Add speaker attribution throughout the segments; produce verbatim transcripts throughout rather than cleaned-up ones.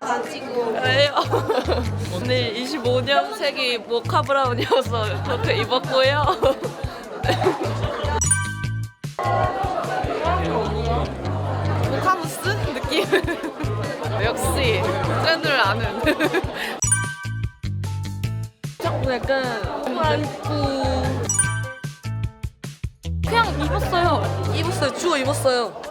Speaker 1: 가지고.
Speaker 2: 왜요? 오늘 이십오 년생이 모카 브라운이어서 그렇게 입었고요. 모카무스 느낌. 역시 트렌드를 아는. 자꾸 약간 완꾸. 그냥 입었어요. 입었어요. 주워 입었어요.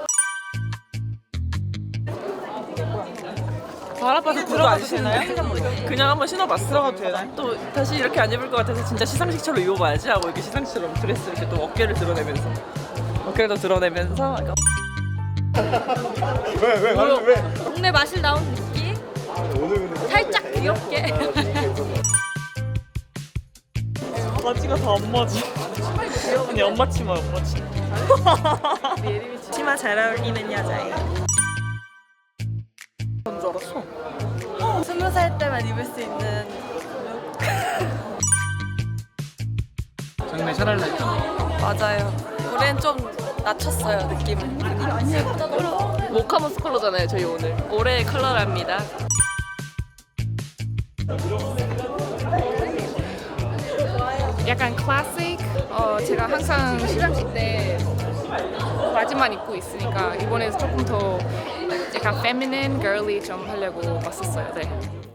Speaker 3: 발 아파서 그거 안 신나요? 그냥 한번 신어봤어. 들어가도 되나요? 또 다시 이렇게 안 입을 것 같아서 진짜 시상식처럼 입어봐야지 하고 이렇게 시상식처럼 드레스 이렇게 또 어깨를 드러내면서 어깨를 더 드러내면서 약간
Speaker 4: 왜, 왜, 왜, 왜?
Speaker 1: 동네 마실 나온 느낌?
Speaker 4: 오늘 근데
Speaker 1: 살짝 귀엽게.
Speaker 3: 바지가 다 엄마지. 언니 엄마 치마 엄마 치마. 치마 잘 어울리는 여자예요. 뭔 줄 알았어?
Speaker 1: 스무 살 때만 입을 수 있는.
Speaker 5: 장래 샤랄라
Speaker 2: 맞아요. 올해는 좀 낮췄어요 느낌을. 모카무스 컬러잖아요 저희 오늘. 올해의 컬러랍니다.
Speaker 6: 약간 클래식? 어, 제가 항상 시상식 때 바지만 입고 있으니까 이번에 조금 더 약간 feminine, girly 좀 하려고 왔었어요. 네.